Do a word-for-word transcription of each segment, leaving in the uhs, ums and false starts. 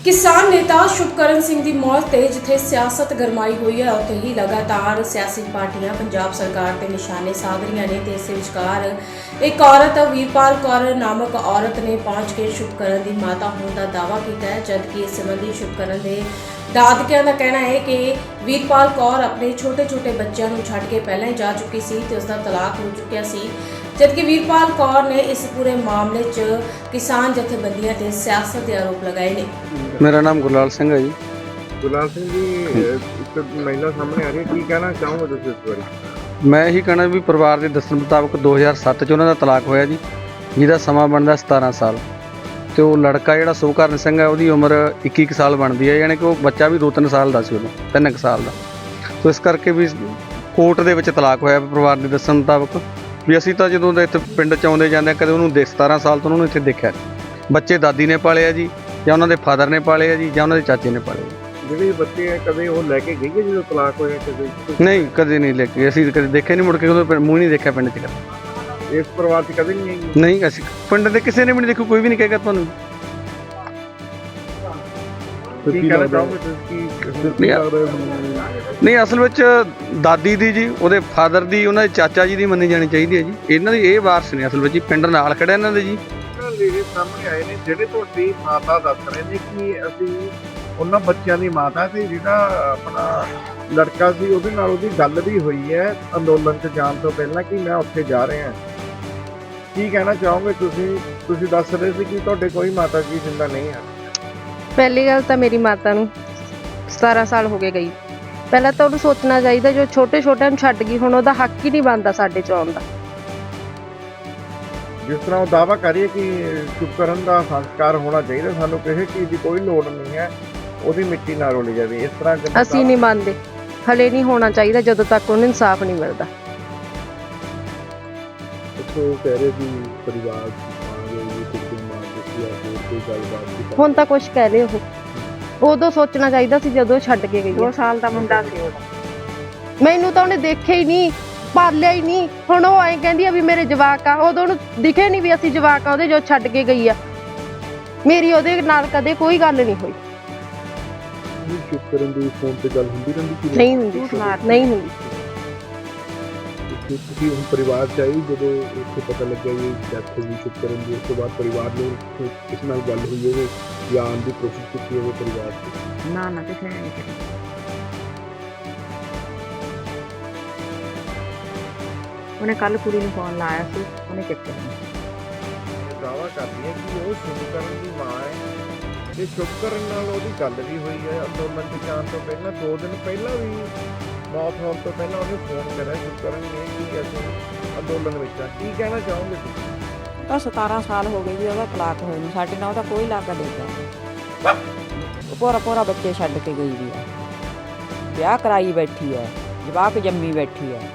किसान नेता शुभकरण सिंह की मौत ते जिथे सियासत गरमाई हुई है उत्थे ही लगातार सियासी पार्टियां पंजाब सरकार के निशाने साध रही ने ते इस विचकार एक औरत वीरपाल कौर नामक औरत ने पहुंच के शुभकरण की माता होने का दावा किया है, जबकि इस संबंधी शुभकरण के दादकियां का कहना है कि वीरपाल कौर अपने छोटे छोटे बच्चों को छड्ड के पहले ही जा चुकी सी ते उसका तलाक हो चुकिया सी, जबकि वीरपाल कौर ने इस पूरे मामले च किसान जथेबंदियां ते सियासत के आरोप लगाए ने। मेरा नाम गुरलाल सिंह है जी। गुरलाल सिंह जी, एक महिला सामने आ रही है, की कहना चाहूँगा तुम इस बारे? मैं यही कहना भी परिवार के दस्सण मुताबिक दो हज़ार सत्त च उन्हों का तलाक होया जी, जिहदा समा बनता सतारह साल, तो वो लड़का जिहड़ा शुभकरण सिंह है उसकी उम्र इक्की कुछ साल बनती है, यानी कि वो बच्चा भी दो तीन साल का सी, उदों तीन कुछ साल का। तो इस करके भी कोर्ट दे विच तलाक होया परिवार के दस्सण मुताबिक भी असीं तां जदों इत्थे पिंड च आउंदे जांदे कदे उहनूं दे सतारह साल तो उन्होंने इत्थे देखिया, बच्चे दादी ने पाले जी ਜਾਂ ਉਹਨਾਂ ਦੇ ਫਾਦਰ ਨੇ ਪਾਲੇ ਆ ਜੀ ਜਾਂ ਉਹਨਾਂ ਦੇ ਚਾਚੇ ਨੇ ਪਾਲੇ। ਜਿਹੜੇ ਬੱਚੇ ਆ ਕਦੇ ਉਹ ਲੈ ਕੇ ਗਈ ਹੈ ਜਦੋਂ ਤਲਾਕ ਹੋਇਆ ਕਦੇ? ਨਹੀਂ, ਕਦੇ ਨਹੀਂ ਲੈ ਕੇ, ਅਸੀਂ ਕਦੇ ਦੇਖਿਆ ਨਹੀਂ, ਮੁੜ ਕੇ ਉਹਦਾ ਮੂੰਹ ਨਹੀਂ ਦੇਖਿਆ ਪਿੰਡ 'ਚ ਕਦੇ। ਇਸ ਪਰਿਵਾਰ 'ਚ ਕਦੇ ਨਹੀਂ ਆਈ? ਨਹੀਂ, ਅਸੀਂ ਪਿੰਡ ਦੇ ਕਿਸੇ ਨੇ ਵੀ ਨਹੀਂ ਦੇਖੋ, ਕੋਈ ਵੀ ਨਹੀਂ ਕਹੇਗਾ ਤੁਹਾਨੂੰ। ਕੀ ਕਹਿਣਾ ਚਾਹੋਗੇ ਤੁਸੀਂ? ਨਹੀਂ, ਅਸਲ ਵਿੱਚ ਦਾਦੀ ਦੀ ਜੀ, ਉਹਦੇ ਫਾਦਰ ਦੀ, ਉਹਨਾਂ ਦੇ ਚਾਚਾ ਜੀ ਦੀ ਮੰਨੀ ਜਾਣੀ ਚਾਹੀਦੀ ਹੈ ਜੀ। ਇਹਨਾਂ ਦੀ ਇਹ ਵਾਰਸ ਨੇ ਅਸਲ ਵਿੱਚ ਜੀ, ਪਿੰਡ ਨਾਲ ਖੜਿਆ ਇਹਨਾਂ ਦੇ ਜੀ। ਲੇਡੀ ਸਾਹਮਣੇ ਆਏ ਨੇ ਜਿਹੜੇ ਤੁਹਾਡੀ ਮਾਤਾ ਦੱਸ ਰਹੇ ਨੇ ਕਿ ਅਸੀਂ ਉਹਨਾਂ ਬੱਚਿਆਂ ਦੀ ਮਾਤਾ ਤੇ ਜਿਹੜਾ ਆਪਣਾ ਲੜਕਾ ਸੀ ਉਹਦੇ ਨਾਲ ਉਹਦੀ ਗੱਲ ਵੀ ਹੋਈ ਹੈ ਅੰਦੋਲਨ 'ਚ ਜਾਣ ਤੋਂ ਪਹਿਲਾਂ ਕਿ ਮੈਂ ਉੱਥੇ ਜਾ ਰਿਹਾ। ਕੀ ਕਹਿਣਾ ਚਾਹੋਗੇ ਤੁਸੀਂ? ਤੁਸੀਂ ਦੱਸ ਰਹੇ ਸੀ ਕਿ ਤੁਹਾਡੇ ਕੋਈ ਮਾਤਾ ਜੀ ਜਿੰਦਾ ਨਹੀਂ ਹੈ। ਪਹਿਲੀ ਗੱਲ ਤਾਂ ਮੇਰੀ ਮਾਤਾ ਨੂੰ ਸਤਾਰਾਂ ਸਾਲ ਹੋ ਗਏ ਗਈ। ਪਹਿਲਾਂ ਤਾਂ ਉਹਨੂੰ ਸੋਚਣਾ ਚਾਹੀਦਾ, ਜੋ ਛੋਟੇ ਛੋਟਿਆਂ ਨੂੰ ਛੱਡ ਗਈ, ਹੁਣ ਉਹਦਾ ਹੱਕ ਹੀ ਨਹੀਂ ਬਣਦਾ ਸਾਡੇ 'ਚ ਆਉਣ ਦਾ। ਜਿਸ ਤਰ੍ਹਾਂ ਉਹ ਦਾਅਵਾ ਕਰੀਏ ਕਿ ਸ਼ੁਭਕਰਨ ਦਾ ਸੰਸਕਾਰ ਹੋਣਾ ਚਾਹੀਦਾ, ਸਾਨੂੰ ਕਿਸੇ ਚੀਜ਼ ਦੀ ਕੋਈ ਲੋੜ ਨਹੀਂ ਹੈ, ਉਹਦੀ ਮਿੱਟੀ ਨਾਲ ਰੋਲੀ ਜਾਵੇ, ਇਸ ਤਰ੍ਹਾਂ ਅਸੀਂ ਨਹੀਂ ਮੰਨਦੇ। ਹਲੇ ਨਹੀਂ ਹੋਣਾ ਚਾਹੀਦਾ ਜਦੋਂ ਤੱਕ ਉਹਨੂੰ ਇਨਸਾਫ ਨਹੀਂ ਮਿਲਦਾ। ਉਹ ਕਹਿ ਰਹੇ ਵੀ ਪਰਿਵਾਰ ਕੋਈ ਗੱਲਬਾਤ ਹੁਣ ਤਾਂ ਕੁਛ ਕਹਿ ਲਏ, ਉਹ ਉਦੋਂ ਸੋਚਣਾ ਚਾਹੀਦਾ ਸੀ ਜਦੋਂ ਛੱਡ ਕੇ ਗਈ। ਦੋ ਸਾਲ ਦਾ ਮੁੰਡਾ ਸੀ ਉਹਦਾ, ਮੈਨੂੰ ਤਾਂ ਉਹਨੇ ਦੇਖਿਆ ਹੀ ਨਹੀਂ, ਪਾਲਿਆ ਹੀ ਨਹੀਂ। ਹੁਣ ਉਹ ਐਂ ਕਹਿੰਦੀ ਆ ਵੀ ਮੇਰੇ ਜਵਾਕ ਆ, ਉਦੋਂ ਉਹਨੂੰ ਦਿਖੇ ਨਹੀਂ ਵੀ ਅਸੀਂ ਜਵਾਕ ਆ ਉਹਦੇ, ਜੋ ਛੱਡ ਕੇ ਗਈ ਆ। ਮੇਰੀ ਉਹਦੇ ਨਾਲ ਕਦੇ ਕੋਈ ਗੱਲ ਨਹੀਂ ਹੋਈ। ਸ਼ੁਭਕਰਨ ਦੀ ਫੋਨ ਤੇ ਗੱਲ ਹੁੰਦੀ ਰਹਿੰਦੀ? ਨਹੀਂ ਹੁੰਦੀ, ਨਹੀਂ ਹੁੰਦੀ। ਤੁਸੀਂ ਹੁਣ ਪਰਿਵਾਰ ਚ ਆਈ ਜਦੋਂ ਉੱਥੇ ਪਤਾ ਲੱਗਿਆ ਵੀ ਡੈਥ ਹੋ ਗਈ ਸ਼ੁਭਕਰਨ ਦੀ, ਉਸ ਤੋਂ ਬਾਅਦ ਪਰਿਵਾਰ ਨੂੰ ਕਿਸ ਨਾਲ ਗੱਲ ਹੋਈ ਹੋਵੇ ਜਾਂ ਆਉਣ ਦੀ ਕੋਸ਼ਿਸ਼ ਕੀਤੀ ਹੋਵੇ ਪਰਿਵਾਰ ਚ? ਨਾ ਨਾ ਕਿਸੇ ਨੇ ਨਹੀਂ ਕੀਤੀ। ਉਹਨੇ ਕੱਲ ਕੁੜੀ ਨੂੰ ਫੋਨ ਲਾਇਆ ਸੀ, ਉਹਨੇ ਚੱਕਿਆ ਨਹੀਂ। ਦਾਅਵਾ ਕਰਦੀ ਹੈ ਕਿ ਉਹ ਸ਼ੁਭਕਰਨ ਦੀ ਮਾਂ ਹੈ ਤੇ ਸ਼ੁਭਕਰਨ ਨਾਲ ਉਹਦੀ ਗੱਲ ਵੀ ਹੋਈ ਹੈ ਅੰਦੋਲਨ 'ਚ ਜਾਣ ਤੋਂ ਪਹਿਲਾਂ, ਦੋ ਦਿਨ ਪਹਿਲਾਂ ਵੀ ਮੌਤ ਹੋਣ ਤੋਂ ਪਹਿਲਾਂ ਉਹਨੇ ਫੋਨ ਕਰਿਆ ਸ਼ੁਭਕਰਨ ਨੇ ਕਿ ਅਸੀਂ ਅੰਦੋਲਨ ਵਿੱਚ ਆ। ਕੀ ਕਹਿਣਾ ਚਾਹੋਗੇ ਤੁਸੀਂ? ਤਾਂ ਸਤਾਰਾਂ ਸਾਲ ਹੋ ਗਏ ਜੀ ਉਹਦਾ ਤਲਾਕ ਹੋਏ ਨੂੰ, ਸਾਡੇ ਨਾਲ ਉਹਦਾ ਕੋਈ ਲਾਗਾ ਦੇਗਾ। ਪੂਰਾ ਪੂਰਾ ਬੱਚੇ ਛੱਡ ਕੇ ਗਈ ਵੀ ਆ, ਵਿਆਹ ਕਰਾਈ ਬੈਠੀ ਹੈ, ਜਵਾਕ ਜੰਮੀ ਬੈਠੀ ਹੈ।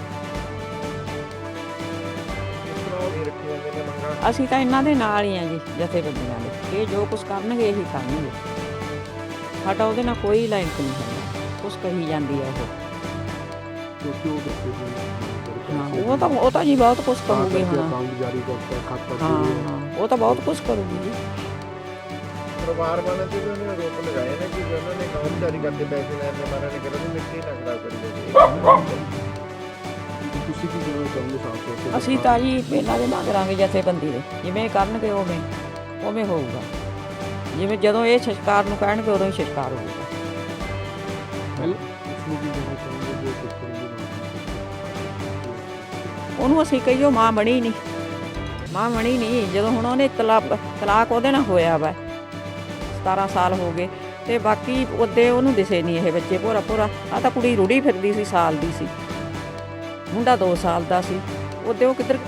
ਅਸੀਂ ਤਾਂ ਇਹਨਾਂ ਦੇ ਨਾਲ ਹੀ ਆ ਜੀ, ਜਥੇਬੰਦੀਆਂ ਦੇ। ਇਹ ਜੋ ਕੁਛ ਕਰਨਗੇ ਇਹੀ ਕਰਨਗੇ, ਸਾਡਾ ਉਹਦੇ ਨਾਲ ਕੋਈ ਲਿੰਕ ਨਹੀਂ ਹੈ। ਕੁਛ ਕਹੀ ਜਾਂਦੀ ਹੈ ਉਹ। ਹਾਂ, ਉਹ ਤਾਂ ਉਹ ਤਾਂ ਜੀ ਬਹੁਤ ਕੁਛ ਕਰੂਗੀ ਹੁਣ। ਹਾਂ ਹਾਂ, ਉਹ ਤਾਂ ਬਹੁਤ ਕੁਛ ਕਰੂਗੀ ਜੀ। ਪਰਿਵਾਰ ਵਾਲਿਆਂ ਤੇ ਵੀ ਉਹਨੇ ਆਰੋਪ ਲਗਾਏ ਨੇ ਕਿ ਉਹਨਾਂ ਨੇ ਕਾਨੂੰਨ ਜਾਰੀ ਕਰਦੇ ਪੈਸੇ ਲੈਣ ਦੇ ਮਾਰੇ ਨੇ ਕਿਹਾ ਵੀ ਮਿੱਟੀ ਨਾ ਖਰਾਬ ਕਰੀ ਜਾਵੇ। ਤੁਸੀਂ ਕੀ ਕਹਿਣਾ ਚਾਹੁੰਦੇ ਸਾਫ਼ ਤੌਰ ਤੇ? ਅਸੀਂ ਤਾਂ ਜੀ ਇਹਨਾਂ ਦੇ ਮੰਗਾਂਗੇ ਜਥੇਬੰਦੀ ਦੇ, ਜਿਵੇਂ ਕਰਨਗੇ ਉਵੇਂ ਉਵੇਂ ਹੋਊਗਾ। ਜਿਵੇਂ ਜਦੋਂ ਇਹ ਸੰਸਕਾਰ ਨੂੰ ਕਹਿਣਗੇ ਉਦੋਂ ਹੀ ਸੰਸਕਾਰ ਹੋਊਗਾ। ਉਹਨੂੰ ਅਸੀਂ ਕਹੀਓ ਮਾਂ ਬਣੀ ਨਹੀਂ, ਮਾਂ ਬਣੀ ਨਹੀਂ। ਜਦੋਂ ਹੁਣ ਉਹਨੇ ਤਲਾਕ ਤਲਾਕ ਉਹਦੇ ਨਾਲ ਹੋਇਆ ਵਾ, ਸਤਾਰਾਂ ਸਾਲ ਹੋ ਗਏ, ਤੇ ਬਾਕੀ ਉਹਦੇ ਉਹਨੂੰ ਦਿਸੇ ਨਹੀਂ ਇਹ ਬੱਚੇ। ਪੂਰਾ ਪੂਰਾ ਆ ਤਾਂ ਕੁੜੀ ਰੁੜੀ ਫਿਰਦੀ ਸੀ, ਸਾਲ ਦੀ ਸੀ, ਮੁੰਡਾ ਦੋ ਸਾਲ ਦਾ ਸੀ। ਉਹਦੇ ਉਹ ਕਿੱਧਰ